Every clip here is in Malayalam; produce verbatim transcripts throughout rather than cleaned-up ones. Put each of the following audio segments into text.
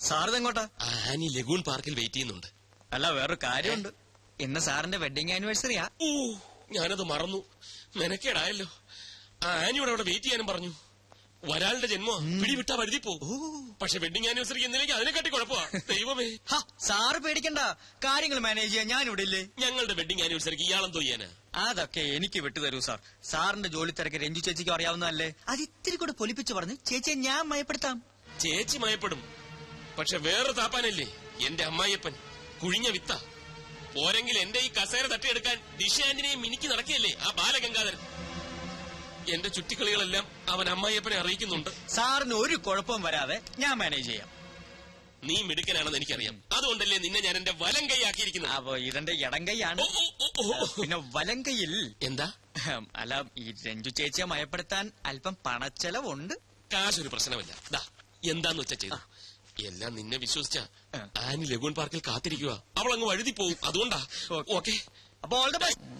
സാറിത് എങ്ങോട്ടാ? ആനി ലഗൂൺ പാർക്കിൽ വെയിറ്റ് ചെയ്യുന്നുണ്ട്. അല്ല, വേറൊരു കാര്യമുണ്ട്. ഇന്ന് സാറിന്റെ വെഡിങ് ആനിവേഴ്സറിയാ. ഓ, ഞാനത് മറന്നു. മെനക്കേടായല്ലോ. ആനിയോട് അവിടെ വെയിറ്റ് ചെയ്യാനും പറഞ്ഞു. ഒരാളുടെ ജന്മോ പിടിവിട്ടാ വഴുതി പോകും. പക്ഷെ വെഡിങ് ആനിവേഴ്സറിക്ക് എന്തിലേക്ക് അതിനെക്കാട്ടി കുഴപ്പമാ. ദൈവമേ. സാറ് പേടിക്കണ്ട, കാര്യങ്ങൾ മാനേജ് ചെയ്യാൻ ഞാൻ ഇവിടെ ഇല്ലേ. ഞങ്ങളുടെ വെഡിങ് ആനിവേഴ്സറിക്ക് ഇയാളെന്തോ ചെയ്യാനാ? അതൊക്കെ എനിക്ക് വിട്ടുതരൂ സാർ. സാറിന്റെ ജോലി തിരക്ക് രഞ്ജു ചേച്ചിക്ക് അറിയാവുന്നതല്ലേ. അത് ഇത്തിരി കൂടെ പൊലിപ്പിച്ച് പറഞ്ഞ് ചേച്ചിയെ ഞാൻ മയപ്പെടുത്താം. ചേച്ചി മയപ്പെടും. പക്ഷെ വേറെ താപ്പാനല്ലേ എന്റെ അമ്മായിയപ്പൻ. കുഴിഞ്ഞ വിത്ത പോരെങ്കിൽ എന്റെ ഈ കസേര തട്ടിയെടുക്കാൻ ദിശ ആന്റിനെയും മിനിക്ക് നടക്കുകയല്ലേ ആ ബാലഗംഗാധരൻ. എന്റെ ചുറ്റിക്കളികളെല്ലാം അവൻ അമ്മായിയപ്പനെ അറിയിക്കുന്നുണ്ട്. സാറിന് ഒരു കുഴപ്പവും വരാതെ ഞാൻ മാനേജ് ചെയ്യാം. നീ മിടുക്കനാണെന്ന് എനിക്കറിയാം. അതുകൊണ്ടല്ലേ നിന്നെ ഞാൻ എന്റെ വലം കൈയാക്കിയിരിക്കുന്നത്. അപ്പൊ ഇതെന്റെ ഇടം കൈയാണ്. പിന്നെ വലം കൈയിൽ എന്താ? അല്ല, ഈ രഞ്ജു ചേച്ചിയെ മയപ്പെടുത്താൻ അല്പം പണച്ചെലവുണ്ട്. കാശൊരു പ്രശ്നമല്ല. ദാ എന്താന്ന് വെച്ചാ ചെയ്തു. എല്ലാം നിന്നെ വിശ്വസിച്ച ആനി ലഗൂൺ പാർക്കിൽ കാത്തിരിക്കുക. അവൾ അങ്ങ് വഴുതി പോവും. അതുകൊണ്ടാ. ഓക്കെ, അപ്പൊ ഓൾ ദ ബെസ്റ്റ്.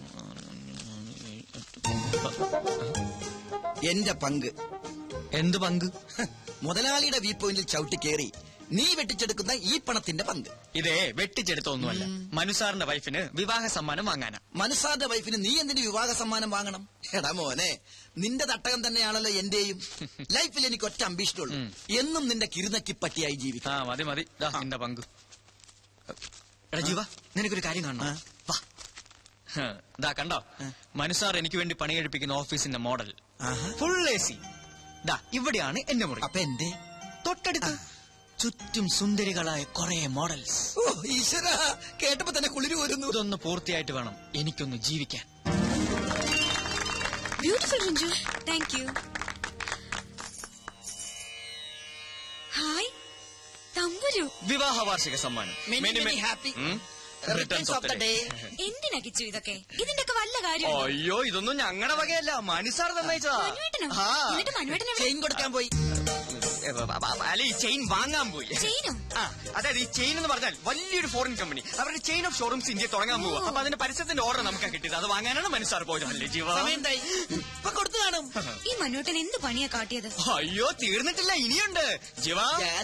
എന്റെ പങ്ക്. എന്ത് പങ്ക്? മുതലാളിയുടെ വ്യൂ പോയിന്റിൽ ചവിട്ടി കയറി നീ വെട്ടിച്ചെടുക്കുന്ന ഈ പണത്തിന്റെ പങ്ക്. ഇതേ വെട്ടിച്ചെടുത്തൊന്നുമല്ല, മനുസാറിന്റെ വൈഫിന് വിവാഹ സമ്മാനം വാങ്ങാനാ. മനുസാറിന്റെ വൈഫിന് നീ എന്തിന് വിവാഹ സമ്മാനം വാങ്ങണം? എടാ മോനെ, നിന്റെ തട്ടകം തന്നെയാണല്ലോ എന്റെയും. ലൈഫിൽ എനിക്ക് ഒറ്റ അംബീഷനുള്ളൂ, എന്നും നിന്റെ കിരുനക്കി പറ്റിയായി ജീവിക്കാം. ആ മതി മതി, നിന്റെ പങ്ക്. എടാ ജീവ, നിനക്കൊരു കാര്യം കാണണം. വാ. ദാ കണ്ടോ, മനുസാർ എനിക്ക് വേണ്ടി പണി കഴിപ്പിക്കുന്ന ഓഫീസിന്റെ മോഡൽ. Full A C. ദാ ഇവിടെയാണ് എന്റെ മുറി. അപ്പൊ എന്റെ തൊട്ടടുത്ത് ചുറ്റും സുന്ദരികളായ കുറെ മോഡൽസ്. ഓ ഈശ്വര, കേട്ടപ്പോ തന്നെ കുളിര് വരുന്നു. ഇതൊന്ന് പൂർത്തിയായിട്ട് വേണം എനിക്കൊന്ന് ജീവിക്കാൻ. Beautiful Ranju, thank you. Hi Thamburu. വിവാഹ വാർഷിക സമ്മാനം. Happy returns of the day. എന്തിനാ കിച്ചു ഇതൊക്കെ? ഇതിന്റെ ഒക്കെ വല്ല കാര്യം? അയ്യോ, ഇതൊന്നും ഞങ്ങളുടെ വകയല്ല, മനുസാർ തന്നയച്ചതാ. എന്നിട്ട് മനുവേട്ടനെ ചെയിൻ കൊടുക്കാൻ പോയി. അല്ല, ഈ ചെയിൻ വാങ്ങാൻ പോയി. ചെയിനോ? ആ, അതായത് ഈ ചെയിൻ എന്ന് പറഞ്ഞാൽ വലിയൊരു ഫോറിൻ കമ്പനി അവരുടെ ചെയിൻ ഓഫ് ഷോറൂംസ് ഇന്ത്യ തുടങ്ങാൻ പോവുക. അപ്പൊ അതിന്റെ പരസ്യത്തിന്റെ ഓർഡർ നമുക്ക് കിട്ടിയത്. അത് വാങ്ങാനാണ് മനുസാർ പോയത്. അല്ലേ ജീവ? കൊടുത്തു കാണും. ഈ മനുവേട്ടൻ എന്ത് പണിയാ കാട്ടിയത്? അയ്യോ, തീർന്നിട്ടില്ല, ഇനിയുണ്ട് ജീവ.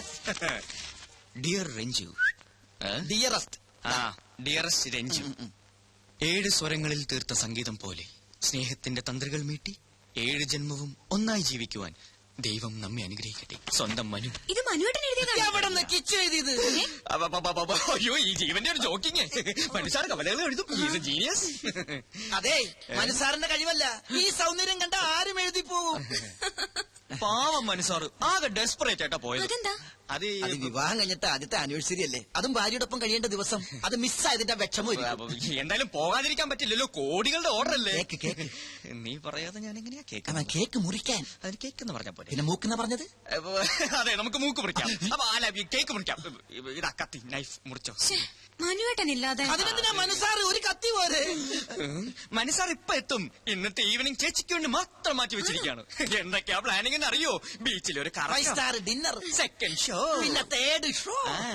ഡിയർ രഞ്ജു. ഡിയറസ്റ്റ്. ആ, ഡിയറസ്റ്റ് രഞ്ജു. ഏഴ് സ്വരങ്ങളിൽ തീർത്ത സംഗീതം പോലെ സ്നേഹത്തിന്റെ തന്ത്രികൾ മീട്ടി ഏഴ് ജന്മവും ഒന്നായി ജീവിക്കുവാൻ ദൈവം നമ്മെ അനുഗ്രഹിക്കട്ടെ. സ്വന്തം മനു. ഇത് മനുവേട്ടൻ എഴുതിയതാണ്. കിച്ചു എഴുതിയത്. അയ്യോ, ഈ ജീവന്റെ ഒരു ജോക്കിങ്. മനുസാർ കവലകൾ എഴുതും. ജീനിയസ്. അതെ, മനുസാറിന്റെ കഴിവല്ല, ഈ സൗന്ദര്യം കണ്ട ആരും എഴുതി പോകും. പാവം മനുസാർ ആകെ ഡെസ്പറേറ്റ് ആയിട്ടാ പോയത്. അതെന്താ? അത് വിവാഹം കഴിഞ്ഞിട്ട് ആദ്യത്തെ ആനിവേഴ്സറി അല്ലേ, അതും ഭാര്യയോടൊപ്പം കഴിയേണ്ട ദിവസം. അത് മിസ്സായതിന്റെ വിഷമം. എന്തായാലും പോകാതിരിക്കാൻ പറ്റില്ലല്ലോ, കോടികളുടെ ഓർഡർ അല്ലേ. കേക്ക് കേക്ക് നീ പറയാതെ ഞാൻ എങ്ങനെയാ കേക്ക്? കേക്ക് മുറിക്കാൻ അതിന് കേക്ക് എന്ന് പറഞ്ഞ പോലെ. പിന്നെ മൂക്കെന്നാ പറഞ്ഞത്? അതെ, നമുക്ക് മൂക്ക് മുറിക്കാം. അപ്പൊ ആല കേക്ക് മുറിക്കാം. ഇതാ കത്തി, നൈഫ് മുറിച്ചോ. മനുവേട്ടൻ ഇല്ലാതെ അതിനെന്തിനാ മനുസാർ ഒരു കത്തി പോലെ? മനുസാർ ഇപ്പൊ എത്തും. ഇന്നത്തെ ഈവനിങ് ചേച്ചിക്ക് വേണ്ടി മാത്രം മാറ്റി വെച്ചിരിക്കുകയാണ്. എന്തൊക്കെയാ പ്ലാനിങ് എന്ന് അറിയോ? ബീച്ചിൽ ഒരു സ്റ്റാർ ഡിന്നർ, സെക്കൻഡ് ഷോ, പിന്നെ തേർഡ് ഷോ.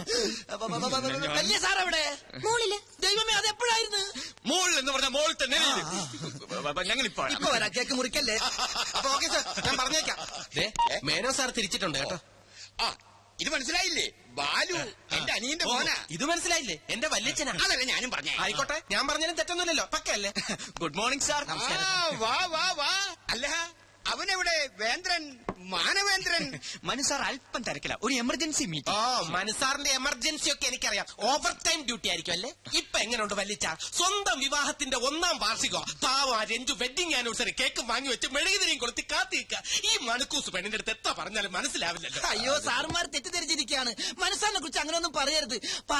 വലിയ സാർ എവിടെ? മോളില്. ദൈവമേ, അത് എപ്പോഴായിരുന്നു? മോൾ എന്ന് പറഞ്ഞ മോൾ തന്നെ. ഞങ്ങൾ ഇപ്പൊ ഇപ്പൊ വരാം, കേക്ക് മുറിക്കല്ലേ. അപ്പൊ ഓക്കെ സാർ, ഞാൻ പറഞ്ഞേക്കാം. മേനോ സാർ തിരിച്ചിട്ടുണ്ട് കേട്ടോ. ആ, ഇത് മനസ്സിലായില്ലേ? ബാലു എന്റെ അനിയന്റെ മോനാ. ഇത് മനസ്സിലായില്ലേ? എന്റെ വല്യച്ഛനാ. അതല്ലേ ഞാനും പറഞ്ഞേ. ആയിക്കോട്ടെ, ഞാൻ പറഞ്ഞാലും തെറ്റൊന്നുമില്ലല്ലോ. പക്കല്ലേ? Good morning sir. വാ വാ വാ. അല്ല, അവനെവിടെ? വേന്ദ്രൻ, മാനവേന്ദ്രൻ. മനുസാർ അല്പം തിരക്കില്ല, ഒരു എമർജൻസി ഓ, മീറ്റിംഗ്. മനുസാറിന്റെ എമർജൻസി ഒക്കെ എനിക്കറിയാം. ഓവർ ടൈം ഡ്യൂട്ടി ആയിരിക്കും അല്ലേ? ഇപ്പൊ എങ്ങനെയുണ്ട് വല്ലിച്ച? സ്വന്തം വിവാഹത്തിന്റെ ഒന്നാം വാർഷികോ പാവ രഞ്ജു വെഡിങ് ആനിവേഴ്സറി കേക്കും വാങ്ങി വെച്ച് മെഴുകുതിരിയും കൊളുത്തി കാത്തിരിക്കുക. ഈ മണക്കൂസ് പെണ്ണിന്റെ അടുത്ത് എത്ര പറഞ്ഞാലും മനസ്സിലാവില്ലല്ലോ. അയ്യോ, സാറുമാർ തെറ്റിദ്ധരിച്ചിരിക്കുകയാണ്. മനസ്സാറിനെ കുറിച്ച് അങ്ങനെയൊന്നും പറയരുത്.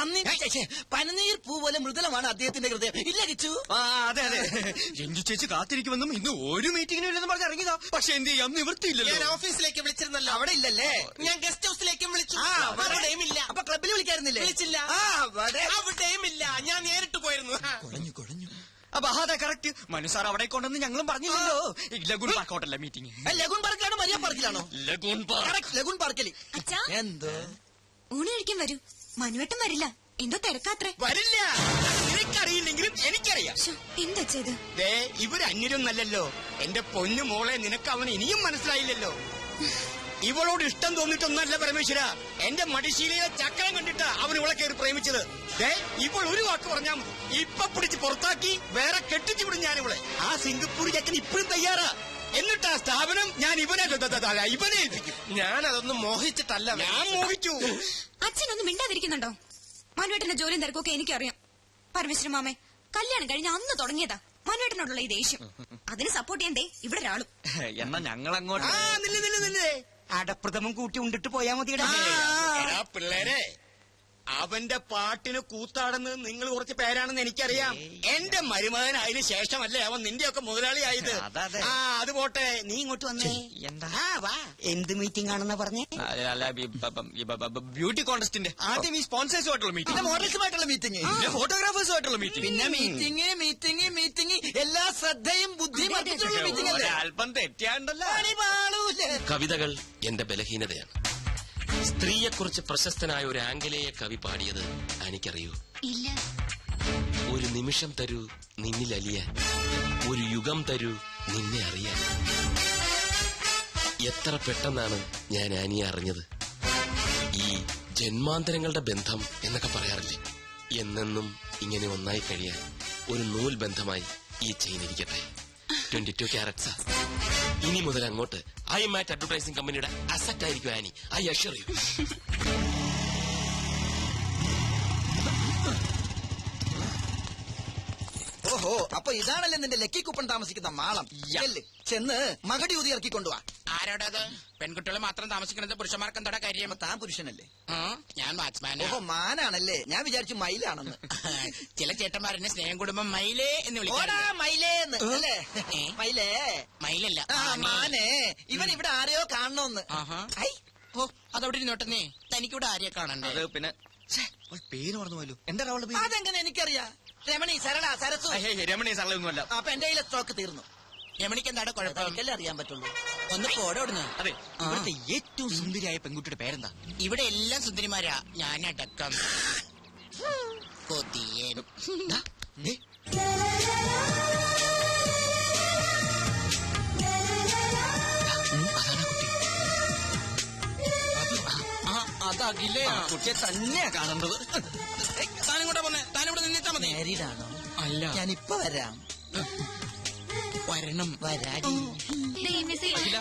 പനിനീർ പൂ പോലെ മൃദുലമാണ് അദ്ദേഹത്തിന്റെ ഹൃദയം. ഇല്ല കിച്ചു? ആ, അതെ അതെ. രഞ്ജു ചേച്ചി കാത്തിരിക്കുമെന്നും ഇന്ന് ഒരു മീറ്റിംഗിനും ഇല്ലെന്ന് പറഞ്ഞ് ഇറങ്ങിയതാ. പക്ഷെ എന്ത് ചെയ്യാം, നിവൃത്തിയില്ലല്ലോ. ഞാൻ ഓഫീസിലേക്ക് വിളിച്ചിരുന്നല്ലോ. അവിടെ ഇല്ലല്ലേ? ഞാൻ ഗസ്റ്റ് ഹൗസിലേക്കും വിളിച്ചു. ആ, അവിടെയും ഇല്ല. അപ്പൊ ക്ലബിൽ വിളിക്കായിരുന്നില്ലേ? വിളിച്ചില്ല. അവിടെയും ഇല്ല. ഞാൻ നേരിട്ട് പോയിരുന്നു. കുഴഞ്ഞു കുഴഞ്ഞു. അപ്പൊ അതെ കറക്റ്റ്. മനുസാർ അവിടെ കൊണ്ടെന്ന് ഞങ്ങളും പറഞ്ഞില്ലല്ലോ. ലഗൂൺ പാർക്ക് ഹോട്ടലിലെ മീറ്റിംഗ്. ലഗൂൺ പാർക്കിലാണോ മരിയ പാർക്കിലാണോ? Lagoon park. ലഗൂൺ പാർക്കിൽ. അച്ഛാ, എന്തോ ഊണ് കഴിക്കാൻ വരൂ. മനുവേട്ടൻ വരില്ല, എന്തോ തിരക്കാത്രേ. വരില്ല. നിനക്കറിയില്ലെങ്കിലും എനിക്കറിയാം. എന്താ ചെയ്ത്? ദേ, ഇവര് അന്യരൊന്നല്ലല്ലോ. എന്റെ പൊന്നു മോളെ, നിനക്ക് അവൻ ഇനിയും മനസ്സിലായില്ലല്ലോ. ഇവളോട് ഇഷ്ടം തോന്നിട്ടൊന്നല്ല പരമേശ്വര. എന്റെ മടിശീലയിലെ ചക്രം കണ്ടിട്ടാ അവൻ ഇവളെ കയറി പ്രേമിച്ചത്. ദേ ഇപ്പോൾ ഒരു വാക്ക് പറഞ്ഞാൽ മതി, ഇപ്പൊ പിടിച്ച് പുറത്താക്കി വേറെ കെട്ടിച്ചു വിടും ഞാൻ ഇവളെ. ആ സിംഗപ്പൂർ ചക്കൻ ഇപ്പോഴും തയ്യാറാ. എന്നിട്ട് ആ സ്ഥാപനം ഞാൻ ഇവനെ ഇവനെ ഏൽപ്പിക്കും. ഞാൻ അതൊന്നും മോഹിച്ചിട്ടല്ല. ഞാൻ മോഹിച്ചു. അച്ഛനൊന്നും മിണ്ടാതിരിക്കുന്നുണ്ടോ? മനുവേട്ടന്റെ ജോലിയും തിരക്കൊക്കെ എനിക്കറിയാം. പരമേശ്വരൻ മാമേ, കല്യാണം കഴിഞ്ഞ് അന്ന് തുടങ്ങിയതാ മനുവേട്ടനോടുള്ള ഈ ദേഷ്യം. അതിന് സപ്പോർട്ട് ചെയ്യണ്ടേ ഇവിടെ ഒരാളും. എന്നാ ഞങ്ങൾ അങ്ങോട്ട് ആ നില്ല് നില്ല് നില്ലേ. അടപ്രഥമം കൂട്ടി ഉണ്ടിട്ട് പോയാ മതി. എടാ പിള്ളേരെ, അവന്റെ പാട്ടിന് കൂത്താടുന്നത് നിങ്ങൾ കുറച്ച് പേരാണെന്ന് എനിക്കറിയാം. എന്റെ മരുമകൻ അതിന് ശേഷമല്ലേ അവൻ നിന്റെയൊക്കെ മുതലാളിയായത്. അതെ. ആ അത് പോട്ടെ, നീ ഇങ്ങോട്ട് വന്നേ. എന്താ? ആ വാ. എന്ത് മീറ്റിംഗ് ആണെന്നാ പറഞ്ഞേ? അല്ല ബ്യൂട്ടി കോൺടെസ്റ്റിന്റെ ആദ്യം ഈ സ്പോൺസേഴ്സുമായിട്ടുള്ള മീറ്റിംഗ്, മോഡൽസുമായിട്ടുള്ള മീറ്റിംഗ്, പിന്നെ ഫോട്ടോഗ്രാഫേഴ്സുമായിട്ടുള്ള മീറ്റിംഗ്, പിന്നെ മീറ്റിംഗ് മീറ്റിംഗ് മീറ്റിംഗ് എല്ലാ ശ്രദ്ധയും ബുദ്ധിയും അർപ്പിച്ചുള്ള മീറ്റിംഗ് അല്ലേ? അല്പം തെറ്റിയാണ്ടല്ലോ. കവിതകൾ എന്റെ ബലഹീനതയാണ്. സ്ത്രീയെക്കുറിച്ച് പ്രശസ്തനായ ഒരു ആംഗലേയ കവി പാടിയത് എനിക്കറിയൂ. ഇല്ല. ഒരു നിമിഷം തരൂ നിന്നിൽ അലിയാൻ, ഒരു യുഗം തരൂ നിന്നെ അറിയാൻ. എത്ര പെട്ടെന്നാണ് ഞാൻ ആനിയെ അറിഞ്ഞത്. ഈ ജന്മാന്തരങ്ങളുടെ ബന്ധം എന്നൊക്കെ പറയാറില്ലേ, എന്നെന്നും ഇങ്ങനെ ഒന്നായി കഴിയാൻ ഒരു നൂൽ ബന്ധമായി ഈ ചെയിൻ ഇരിക്കട്ടെ. ട്വന്റി ടു ക്യാരറ്റ്സാ. ഇനി മുതൽ അങ്ങോട്ട് ഐ മാറ്റ് അഡ്വർടൈസിംഗ് കമ്പനിയുടെ അസറ്റ് ആയിരിക്കും ആനി. I assure you. ഓഹോ, അപ്പൊ ഇതാണല്ലേ നിന്റെ ലക്കി കുപ്പൺ താമസിക്കുന്ന മാളം. ചെല്ല്, ചെന്ന് മകടി ഊതി ഇറക്കി കൊണ്ടുവാ. ആരോടത്? പെൺകുട്ടികൾ മാത്രം താമസിക്കുന്നത് പുരുഷന്മാർക്ക് എന്താ കാര്യം? അപ്പൊ താൻ പുരുഷനല്ലേ? ആ, ഞാൻ വാച്ച്മാനാ. ഓഹോ, മാനാണല്ലേ. ഞാൻ വിചാരിച്ചു മയിലാണെന്ന്. ചില ചേട്ടന്മാരെന്നെ സ്നേഹം കുടുംബം മയിലേ എന്ന് ഓടാ വിളിക്കാറുണ്ട്. മയിലേന്ന് അല്ലേ? ഏ? മയിലേ. മയിലല്ല, ആ ആനേ. മാനേ, ഇവൻ ഇവിടെ ആരെയോ കാണണോന്ന്. ആഹാ. ഐ, ഓ, അതവിടെ ഇരുന്നോട്ടെ. തനിക്കിവിടെ ആരെയെ കാണണ്ടേ? അത് പിന്നെ ഛേ, അവൾ പേര് മറന്നു പോയല്ലോ. എന്താ അവളുടെ പേര്? അതെങ്ങനെ എനിക്കറിയാം. രമണി, സരള, സരസു. ഹേ, ഹേ, രമണി സരളൊന്നുമല്ല. അപ്പൊ എന്റെ കയ്യിലെ സ്റ്റോക്ക് തീർന്നു. രമണിക്ക് എന്താണ് കുഴപ്പം? എനിക്കല്ലേ അറിയാൻ പറ്റുള്ളൂ. ഒന്ന് പോടോടുന്നു. അതെ, ഇവിടുത്തെ ഏറ്റവും സുന്ദരിയായ പെൺകുട്ടിയുടെ പേരെന്താ? ഇവിടെ എല്ലാം സുന്ദരിമാരാ, ഞാനടക്കം. കൊതിയൻ. ദാ, ദേ, അതാണ് കുട്ടി. ആ, അതകിലേ. ആ കുട്ടിയെ തന്നെയാ കാണേണ്ടത്. താനും കൂടെ പോന്നെ, താനിവിടെ നിന്നിട്ടാ മതി. മാരീഡാണോ? അല്ല, ഞാനിപ്പൊ വരാം. വരണം. വരാടി. അഖില,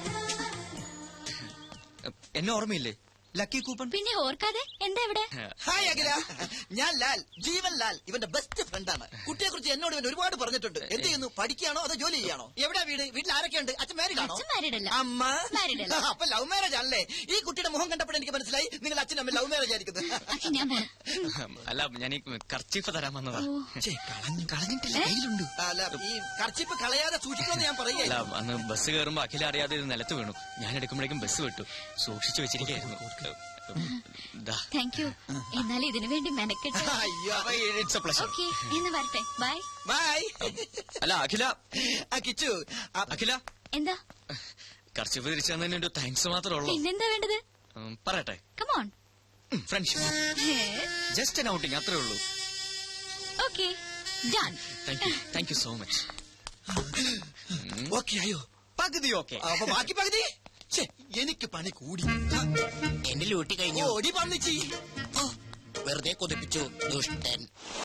എന്നെ ഓർമ്മയില്ലേ? Lucky coupon. പിന്നെ ഓർക്കാതെ എന്താ ഇവിടെ? ഹായ് അഖില, ഞാൻ ലാൽ, ജീവൻ ലാൽ, ഇവന്റെ ബെസ്റ്റ് ഫ്രണ്ടാണ്. കുട്ടിയെ കുറിച്ച് എന്നോട് ഇവൻ ഒരുപാട് പറഞ്ഞിട്ടുണ്ട്. എന്ത് ചെയ്യുന്നു? പഠിക്കുകയാണോ അതോ ജോലി ചെയ്യാണോ? എവിടെ വീട്? വീട്ടിൽ ആരൊക്കെയുണ്ട്? അച്ഛൻ മാരീഡാണോ? അച്ഛൻ married അല്ല. അമ്മ Married അല്ല. അപ്പൊ ലവ് മാരേജ് ആണല്ലേ? ഈ കുട്ടിയുടെ മുഖം കണ്ടപ്പോൾ എനിക്ക് മനസ്സിലായി നിങ്ങൾ അച്ഛനും അമ്മ ലവ് മാരേജ് ആയിരിക്കുന്നത്. അച്ഛൻ ഞാൻ പോണം. അല്ല, ഞാൻ ഈ കർച്ചീഫ് തരാൻ വന്നതാ. ഛേ, കളഞ്ഞു കളഞ്ഞിട്ടില്ല, കയ്യിലുണ്ട്. അല്ല, ഈ കർച്ചിപ്പ് കളയാതെ സൂക്ഷിക്കണമെന്ന് ഞാൻ അല്ല, പറയുകയല്ല. അന്ന് ബസ് കയറുമ്പോ അഖില അറിയാതെ ഇത് നിലത്ത് വീണു. ഞാൻ എടുക്കുമ്പോഴേക്കും ബസ് വിട്ടു. സൂക്ഷിച്ചു വെച്ചിരിക്കായിരുന്നു. ദാ. Thank you. എന്നാലും ഇതിനു വേണ്ടി മെനക്കെട്ട്. അയ്യോ. അപ്പൊ it's a pleasure. ഓക്കെ, എന്ന് വരട്ടെ. ബൈ. ബൈ. അല്ല അഖില, ആ കിച്ചു, ആ, അഖില എന്താ? കർച്ചീഫ് തിരിച്ചു തന്നതിന് ഒരു താങ്ക്സ് മാത്രമേ ഉള്ളൂ. പിന്നെന്താ വേണ്ടത്? ഉം, പറയട്ടെ. Come on. Friendship, just an outing, അത്രേ ഉള്ളൂ. Okay, done. Thank you, thank you so much. Okay ആയോ? പകുതി ഓക്കെ. അപ്പൊ ബാക്കി പകുതി? ഛേ, എനിക്ക് പണി കൂടി. എന്റെ ലൂട്ടി കഴിഞ്ഞു. ഓടി പന്നിച്ചി. വെറുതെ കൊതിപ്പിച്ചു ദുഷ്ടൻ.